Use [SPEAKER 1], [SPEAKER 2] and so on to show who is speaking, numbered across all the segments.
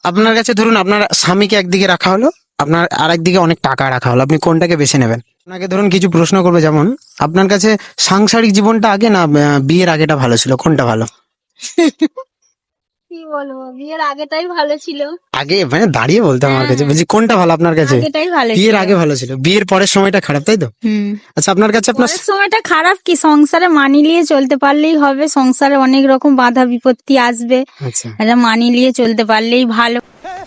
[SPEAKER 1] আপনার কাছে ধরুন আপনার স্বামীকে একদিকে রাখা হলো, আপনার আর একদিকে অনেক টাকা রাখা হলো, আপনি কোনটাকে বেছে নেবেন? আপনাকে ধরুন কিছু প্রশ্ন করবে, যেমন আপনার কাছে সাংসারিক জীবনটা আগে না বিয়ের আগেটা ভালো ছিল, কোনটা ভালো?
[SPEAKER 2] কি বলবো, বিয়ের আগেটাই ভালো ছিল।
[SPEAKER 1] আগে মানে দাঁড়িয়ে বলতে আমার কাছে বলছি কোনটা ভালো আপনার কাছে?
[SPEAKER 2] আগেটাই ভালো
[SPEAKER 1] বিয়ের
[SPEAKER 2] ছিল।
[SPEAKER 1] আগে ভালো ছিল, বিয়ের পরের সময়টা খারাপ, তাই তো? আচ্ছা আপনার কাছে আপনার
[SPEAKER 2] পরের সময়টা খারাপ কি, সংসারে মানিয়ে নিয়ে চলতে পারলেই হবে। সংসারে অনেক রকম বাধা বিপত্তি আসবে,
[SPEAKER 1] আচ্ছা
[SPEAKER 2] এটা মানিয়ে নিয়ে চলতে পারলেই ভালো,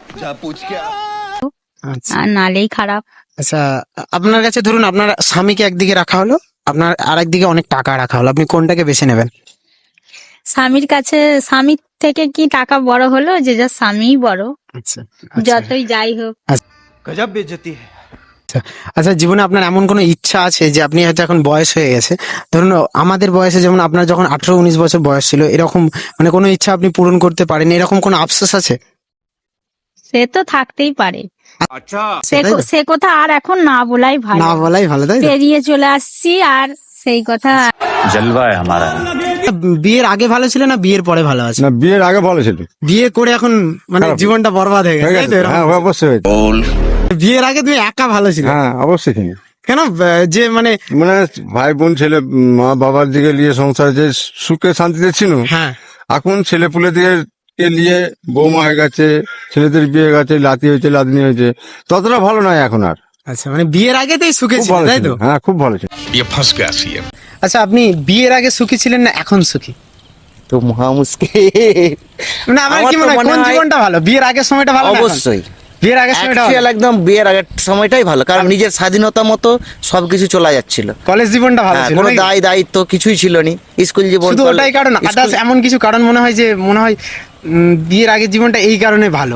[SPEAKER 1] আচ্ছা
[SPEAKER 2] আর নালেই খারাপ।
[SPEAKER 1] আচ্ছা আপনার কাছে ধরুন আপনার স্বামীকে একদিকে রাখা হলো, আপনার আর একদিকে অনেক টাকা রাখা হলো, আপনি কোনটাকে বেছে নেবেন?
[SPEAKER 2] স্বামীর কাছে, স্বামীর থেকে কি টাকা বড় হলো, যে যার স্বামীই বড়,
[SPEAKER 1] আচ্ছা
[SPEAKER 2] যতই যাই হোক।
[SPEAKER 3] गजब बेइज्जती है।
[SPEAKER 1] আচ্ছা জীবনে আপনার এমন কোনো ইচ্ছা আছে যে আপনি হয়তো এখন বয়স হয়ে গেছে, ধরুন আমাদের বয়সে যেমন আপনার যখন 18-19 বছর বয়স ছিল, এরকম মানে কোনো ইচ্ছা আপনি পূরণ করতে পারেন, এরকম কোনো আফসোস আছে?
[SPEAKER 2] সে তো থাকতেই পারে,
[SPEAKER 3] अच्छा
[SPEAKER 1] সেটাই তো?
[SPEAKER 2] সে কথা আর এখন না বলাই ভালো।
[SPEAKER 1] না বলাই ভালো, তাই তো?
[SPEAKER 2] পেরিয়ে চলে আসছি, আর সেই কথা
[SPEAKER 4] जलवा है हमारा।
[SPEAKER 1] বিয়ের আগে ভালো ছিল না বিয়ের পরে ভালো আছে?
[SPEAKER 5] না, বিয়ের আগে ভালো ছিল।
[SPEAKER 1] বিয়ে করে এখন মানে জীবনটা বরবাদ হয়ে গেছে, তাই তো? এরকম?
[SPEAKER 5] হ্যাঁ, অবশ্যই হয়েছে।
[SPEAKER 1] বিয়ের আগে তুমি একা ভালো ছিল,
[SPEAKER 5] হ্যাঁ, অবশ্যই ছিল।
[SPEAKER 1] কেন? যে মানে
[SPEAKER 5] মানে ভাই বোন ছেলে মা বাবার দিকে নিয়ে সংসার যে সুখে শান্তিতে ছিল,
[SPEAKER 1] হ্যাঁ
[SPEAKER 5] এখন ছেলে পুলে দিয়ে নিয়ে বৌমা হয়ে গেছে, ছেলেদের বিয়ে হয়ে গেছে, লাতি হয়েছে লাদনি হয়েছে, ততটা ভালো নয় এখন আর।
[SPEAKER 1] আচ্ছা মানে বিয়ের আগেতেই সুখে
[SPEAKER 5] খুব
[SPEAKER 1] ছিল,
[SPEAKER 5] ভালো
[SPEAKER 1] তাই
[SPEAKER 5] ছিল,
[SPEAKER 1] তো?
[SPEAKER 5] হ্যাঁ খুব ভালো ছিল।
[SPEAKER 1] আচ্ছা আপনি বিয়ের আগে সুখী ছিলেন না এখন সুখী?
[SPEAKER 6] তো মহা মুশকিল।
[SPEAKER 1] মানে আমার কি
[SPEAKER 6] আমার তো
[SPEAKER 1] মনে হয়
[SPEAKER 6] মনে
[SPEAKER 1] কোন
[SPEAKER 6] হয়-
[SPEAKER 1] জীবনটা ভালো, বিয়ের আগের সময়টা ভালো না এখন?
[SPEAKER 6] অবশ্যই
[SPEAKER 1] বিয়ের আগের সময়টা
[SPEAKER 6] অ্যাকচুয়াল একদম বিয়ের আগের সময়টাই ভালো, কারণ নিজের স্বাধীনতা মতো সবকিছু চলে যাচ্ছিল।
[SPEAKER 1] কলেজ জীবনটা ভালো
[SPEAKER 6] হ্যাঁ,
[SPEAKER 1] ছিল
[SPEAKER 6] কোনো
[SPEAKER 1] নাকি?
[SPEAKER 6] দায়িত্ব কিছুই ছিল নি, স্কুল জীবন
[SPEAKER 1] শুধু ওটাই কারণ? আদার্স এমন কিছু কারণ মনে হয় যে মনে হয় বিয়ের আগের জীবনটা এই কারণে ভালো?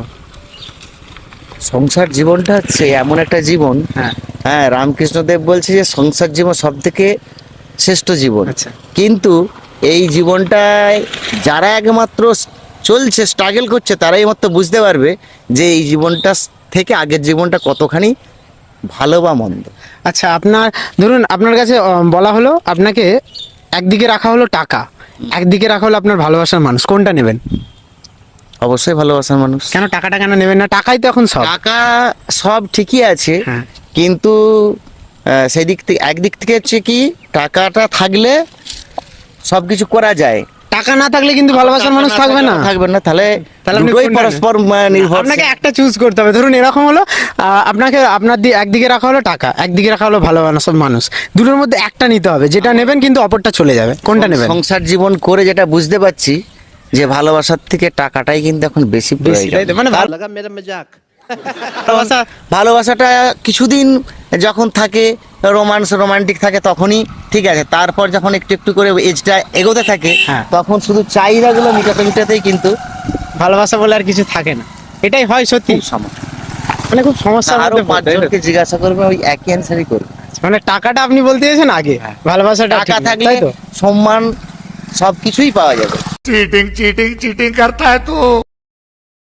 [SPEAKER 6] সংসার জীবনটা হচ্ছে এমন একটা জীবন,
[SPEAKER 1] হ্যাঁ
[SPEAKER 6] হ্যাঁ রামকৃষ্ণ দেব বলছে যে সংসার জীবন সব থেকে শ্রেষ্ঠ জীবন।
[SPEAKER 1] আচ্ছা।
[SPEAKER 6] কিন্তু এই জীবনটায় যারা একমাত্র চলছে, স্ট্রাগল করছে, তারাই মাত্র বুঝতে পারবে যে এই জীবনটা থেকে আগের জীবনটা কতখানি ভালো বা মন্দ।
[SPEAKER 1] আচ্ছা আপনার ধরুন আপনার কাছে বলা হলো আপনাকে একদিকে রাখা হলো টাকা, একদিকে রাখা হলো আপনার ভালোবাসার মানুষ, কোনটা নেবেন?
[SPEAKER 6] অবশ্যই ভালোবাসার মানুষ।
[SPEAKER 1] কেন টাকাটা কেন নেবেন না? টাকাই তো এখন সব।
[SPEAKER 6] টাকা সব ঠিকই আছে,
[SPEAKER 1] হ্যাঁ।
[SPEAKER 6] কিন্তু সেই দিক থেকে একদিক থেকে হচ্ছে কি, টাকাটা থাকলে সবকিছু করা যায়,
[SPEAKER 1] টাকা না থাকলে কিন্তু ভালোবাসার মানুষ থাকবে না।
[SPEAKER 6] থাকবে না, তাহলে
[SPEAKER 1] তাহলে আপনি
[SPEAKER 6] দুটোই
[SPEAKER 1] কোনটা নেবেন?
[SPEAKER 6] পরস্পর নির্ভর।
[SPEAKER 1] আপনাকে একটা চুজ করতে হবে। ধরুন এরকম হলো আপনাকে আপনার একদিকে রাখা হলো টাকা, একদিকে রাখা হলো ভালোবাসার মানুষ, দুটোর মধ্যে একটা নিতে হবে, যেটা নেবেন কিন্তু অপরটা চলে যাবে, কোনটা নেবেন?
[SPEAKER 6] সংসার জীবন করে যেটা বুঝতে পারছি যে ভালোবাসার থেকে টাকাটাই কিন্তু এখন বেশি
[SPEAKER 1] বেশি,
[SPEAKER 6] প্রয়োজন।
[SPEAKER 1] তাই তো? মানে
[SPEAKER 3] लगा मेरा मजाक।
[SPEAKER 1] ভালোবাসা
[SPEAKER 6] ভালোবাসাটা কিছুদিন যখন থাকে, রোমান্টিক থাকে, তখনই ঠিক আছে। তারপর যখন একটু একটু করে এজটা এগোতে থাকে,
[SPEAKER 1] হ্যাঁ।
[SPEAKER 6] তখন শুধু চাহিদাগুলো মিটাতেই কিন্তু
[SPEAKER 1] ভালোবাসা বলে আর কিছু থাকে না, এটাই হয় সত্যি।
[SPEAKER 6] খুব সমস্যা।
[SPEAKER 1] মানে খুব সমস্যা।
[SPEAKER 6] আরো পাঁচজনকে জিজ্ঞাসা করবে, ওই একই অ্যান্সারই করবে।
[SPEAKER 1] মানে টাকাটা আপনি বলতে চাইছেন আগে, ভালোবাসাটা
[SPEAKER 6] টাকা
[SPEAKER 1] ঠিক না,
[SPEAKER 6] থাকলে
[SPEAKER 1] তাই তো?
[SPEAKER 6] সম্মান সবকিছুই পাওয়া যাবে।
[SPEAKER 3] चीटिंग चीटिंग चीटिंग करता है तू।